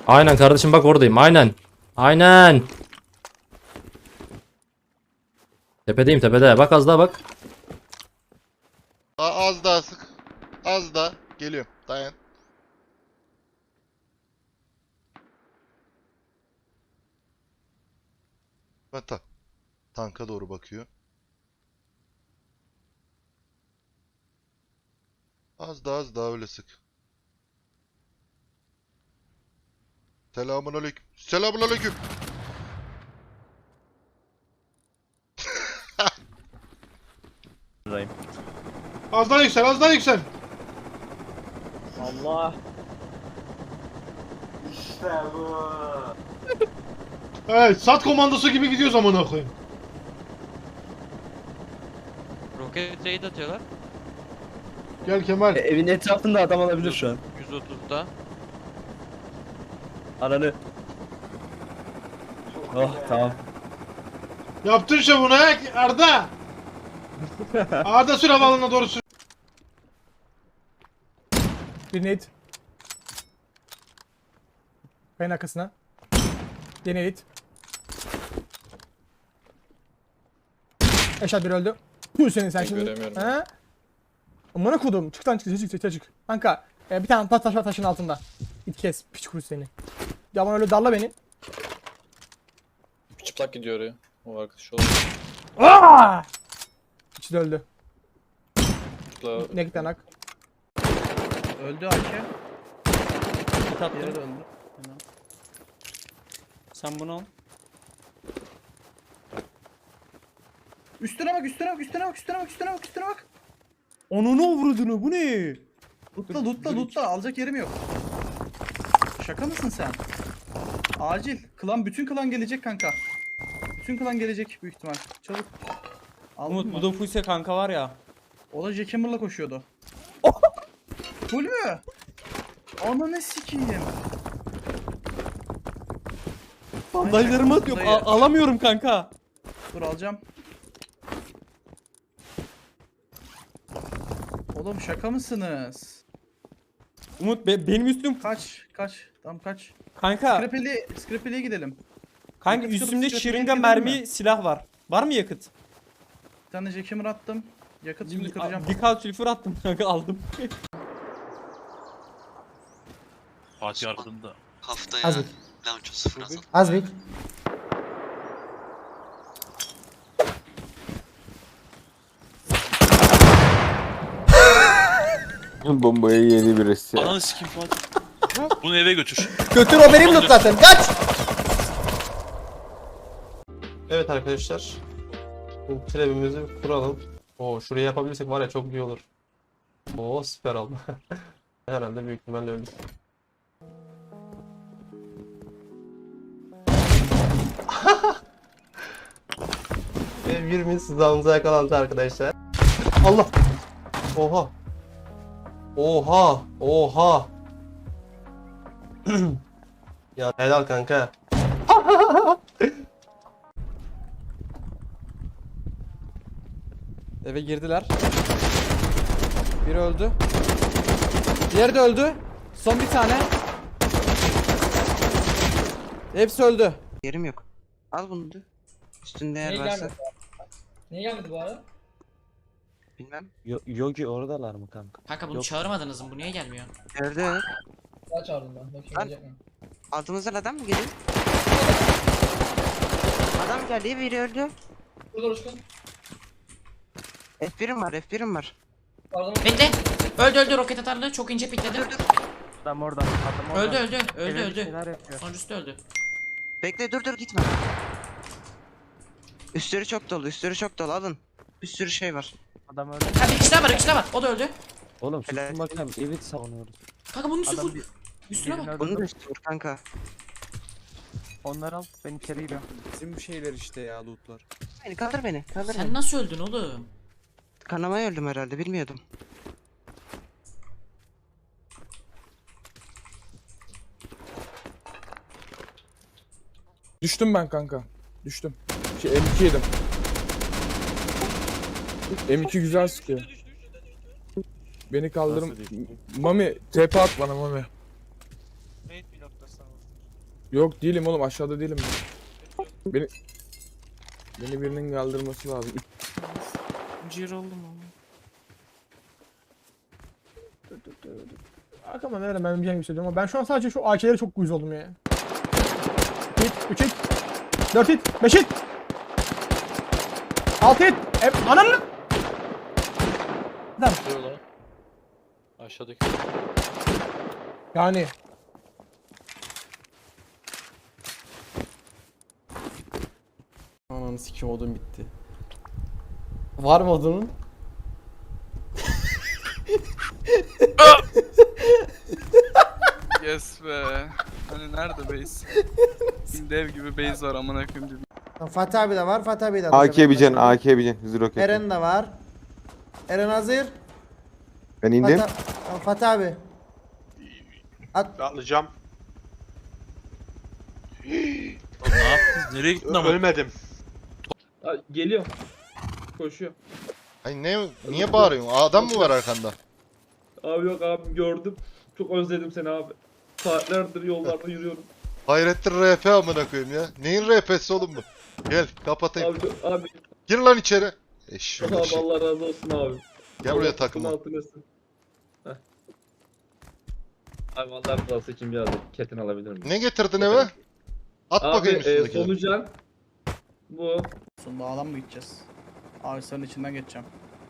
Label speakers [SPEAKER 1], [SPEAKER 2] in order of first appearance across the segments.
[SPEAKER 1] Aynen kardeşim, bak oradayım, aynen. Aynen. Tepedeyim, tepede. Bak az daha bak.
[SPEAKER 2] Az daha sık. Az daha. Geliyorum. Dayan. Hatta tanka doğru bakıyor. Az daha öyle sık. Selamun aleyküm. Selamun aleyküm.
[SPEAKER 3] Az daha yüksel, az daha yüksel.
[SPEAKER 4] Allah.
[SPEAKER 3] Evet, sat komandosu gibi gidiyoruz amına koyayım.
[SPEAKER 5] Roket raid atıyorlar.
[SPEAKER 3] Gel Kemal.
[SPEAKER 4] Evin etrafında adam olabilir şu an.
[SPEAKER 5] 130'da.
[SPEAKER 4] Ananı. Oh tamam.
[SPEAKER 3] Yaptın şovunu he Arda. Arda sür havalına doğru sür.
[SPEAKER 6] Bir nade. Kayın arkasına. Yeni nade. Eşat bir öldü. Puh senin sen şimdi.
[SPEAKER 7] göremiyorum.
[SPEAKER 6] He? Amına kodum. Çık lan çık. Kanka bir tane taş var taşın altında. İlk kez piç kuruş seni. Ya bana öyle darla beni.
[SPEAKER 7] Çıplak gidiyor oraya. O arkadaş oldu.
[SPEAKER 6] Aaaa! İkisi de öldü.
[SPEAKER 7] Çıplak.
[SPEAKER 6] Ne gitten hak.
[SPEAKER 4] Öldü Ayşe.
[SPEAKER 5] Hit attım.
[SPEAKER 4] Diğeri de öldü.
[SPEAKER 5] Sen bunu al.
[SPEAKER 4] Üstüne bak, üstüne bak, üstüne bak, üstüne bak, üstüne bak, üstüne bak.
[SPEAKER 6] Onu ne vurduğunu bu ne?
[SPEAKER 4] Lootla, alacak yerim yok. Şaka mısın sen? Acil. Bütün klan gelecek kanka. Bütün klan gelecek büyük ihtimal. Çabuk. Aldın
[SPEAKER 5] Umut
[SPEAKER 4] mı?
[SPEAKER 5] bu da Fuse kanka var ya.
[SPEAKER 4] O da Jackhammer'la koşuyordu. Full mü? Ananı sikeyim.
[SPEAKER 5] Bandajlarımı atıyorum. Alamıyorum kanka.
[SPEAKER 4] Dur alacağım. Oğlum şaka mısınız?
[SPEAKER 5] Umut benim üstüm
[SPEAKER 4] Kaç. Tamam kaç.
[SPEAKER 5] kanka.
[SPEAKER 4] Scrappy'liye gidelim.
[SPEAKER 5] Kanka
[SPEAKER 4] Yakıt
[SPEAKER 5] üstümde
[SPEAKER 4] alıp
[SPEAKER 5] şırınga,
[SPEAKER 4] gidelim
[SPEAKER 5] mermi,
[SPEAKER 4] mi?
[SPEAKER 5] silah var. Var mı yakıt?
[SPEAKER 4] Bir tane Jackhammer attım. Yakıt şimdi kıracağım.
[SPEAKER 5] Bir kal sülfür attım kanka, aldım.
[SPEAKER 8] Fatih ardında.
[SPEAKER 9] Haftaya
[SPEAKER 6] Azıcık.
[SPEAKER 9] Launcher 0 azal.
[SPEAKER 6] Azbek.
[SPEAKER 10] Bombaya yeni birisi.
[SPEAKER 8] Ananı sikim Fatih. Bunu eve götür.
[SPEAKER 6] Götür o benim loot zaten. Kaç!
[SPEAKER 7] Evet arkadaşlar. Bu trebimizi kuralım. Oo şurayı yapabilirsek var ya çok iyi olur. Oo süper oldu. Herhalde büyük ihtimalle öldük. Ve birimiz sızağımıza yakalandı arkadaşlar. Allah! Oha! Oha! Ya helal kanka.
[SPEAKER 5] Eve girdiler. Biri öldü. Diğeri de öldü. Son bir tane. Hepsi öldü.
[SPEAKER 9] Yerim yok. Al bunu da. Üstünde yer varsa.
[SPEAKER 6] Niye gelmedi bu arada?
[SPEAKER 9] Bilmem.
[SPEAKER 4] Yogi oradalar mı kanka?
[SPEAKER 11] Kanka bunu çağırmadınız mı? Bu niye gelmiyor?
[SPEAKER 9] Nerede?
[SPEAKER 6] Daha çağırdım ben. Bakayım
[SPEAKER 9] Lan.
[SPEAKER 6] gelecek mi?
[SPEAKER 9] Altımızdan adam mı geliyor? Adam geldi, biri öldü.
[SPEAKER 6] Burada Roşkun.
[SPEAKER 9] F1'im var.
[SPEAKER 6] Pardon.
[SPEAKER 11] Bekle. Öldü roket atarlı. Çok ince pikledi.
[SPEAKER 4] Adam orada. Adam
[SPEAKER 11] Öldü. Sonuncusu da öldü.
[SPEAKER 9] Bekle, dur gitme. Üstleri çok dolu, alın. Bir sürü şey var.
[SPEAKER 4] Adam öldü.
[SPEAKER 11] Ha bir kişi daha var. O da öldü.
[SPEAKER 4] Oğlum
[SPEAKER 9] Helal.
[SPEAKER 4] susun bakalım. Evet savunuyoruz.
[SPEAKER 11] Kanka bunun üstü full. Üstüne bak.
[SPEAKER 9] Bunu da üstü vur kanka.
[SPEAKER 4] Onları al. Ben içeri giriyorum.
[SPEAKER 5] Bizim şeyler işte ya, lootlar.
[SPEAKER 9] Kaldır beni.
[SPEAKER 11] Sen nasıl öldün oğlum?
[SPEAKER 9] Kanamaya öldüm herhalde, bilmiyordum.
[SPEAKER 6] Düştüm ben kanka. Düştüm. M2 yedim. M2 güzel sıkıyor. Beni kaldırım. Mami TP at bana Mami.
[SPEAKER 10] Yok değilim oğlum, aşağıda değilim ben. Beni birinin kaldırması lazım.
[SPEAKER 11] Cir oldum ama.
[SPEAKER 6] Arkama nereden ben bir şey hissediyorum ama ben şu an sadece şu AK'lere çok uyuz oldum ya. Hit, 3 hit, 4 hit, 5 hit, 6 hit, ananı! Tamam.
[SPEAKER 8] Aşağıdaki.
[SPEAKER 6] Yani.
[SPEAKER 5] Ananı sikim odun bitti. Var mı odunun?
[SPEAKER 12] Yes be. Hani nerede base? Dev gibi base var amına koyayım dedim.
[SPEAKER 3] Fatih abi de var. Fatih abi de
[SPEAKER 10] AK bican, AK bican. Hızlı roket.
[SPEAKER 3] Eren de var. Eren hazır.
[SPEAKER 10] Ben indim.
[SPEAKER 3] Fatih abi.
[SPEAKER 12] Atlayacağım.
[SPEAKER 8] Ne yaptınız? Nereye gittin ama?
[SPEAKER 12] Ölmedim. Geliyor. Koşuyor.
[SPEAKER 2] Ay niye bağırıyorsun? Adam mı var arkanda?
[SPEAKER 12] Abi yok abi gördüm. Çok özledim seni abi. Saatlerdir yollarda yürüyorum.
[SPEAKER 2] Hayrettin RP amına koyayım ya. Neyin RP'si oğlum bu? Gel kapatayım.
[SPEAKER 12] Abi
[SPEAKER 2] Gir lan içeri. Eşşoğlu şey.
[SPEAKER 12] Allah razı olsun abi.
[SPEAKER 2] Gel buraya takılma.
[SPEAKER 12] Abi Allah razı için biraz ketin alabilir miyim?
[SPEAKER 2] Ne getirdin eve? At bakayım üstündekileri.
[SPEAKER 12] Solucan. Bu.
[SPEAKER 4] Son bağlam mı gideceğiz? Ağaçların içinden geçeceğim.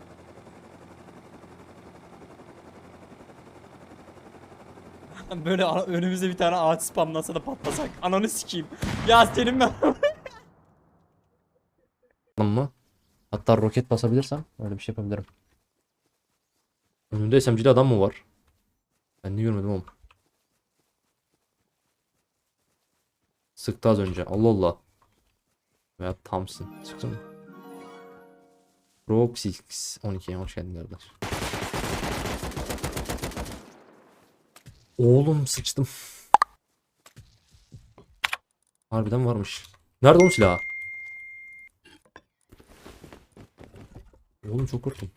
[SPEAKER 5] Böyle önümüze bir tane ağaç spamlansa da patlasak. Ananı sikeyim. Ya senin ben.
[SPEAKER 1] Mı? Hatta roket basabilirsem öyle bir şey yapabilirim. Önünde SMG'li adam mı var? Ben niye görmedim oğlum? Sıktı az önce. Allah Allah. Veya Thompson. Sıktı mı? Rogue 12. Hoş geldin kardeş. Oğlum sıçtım. Harbiden varmış. Nerede oğlum silah? Oğlum çok korktum.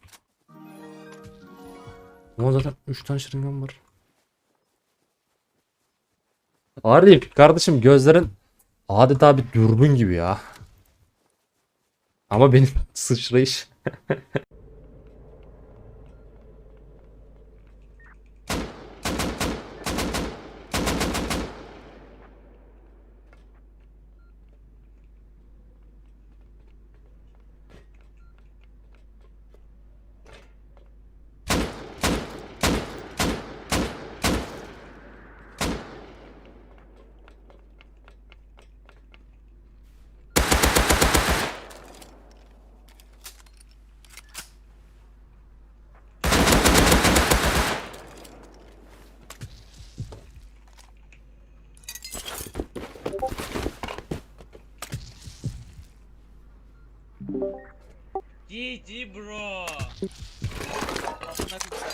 [SPEAKER 1] Ama zaten 3 tane şırıngam var. Arif kardeşim gözlerin adeta bir dürbün gibi ya. Ama benim sıçrayış.
[SPEAKER 11] GG bro. Amına koyayım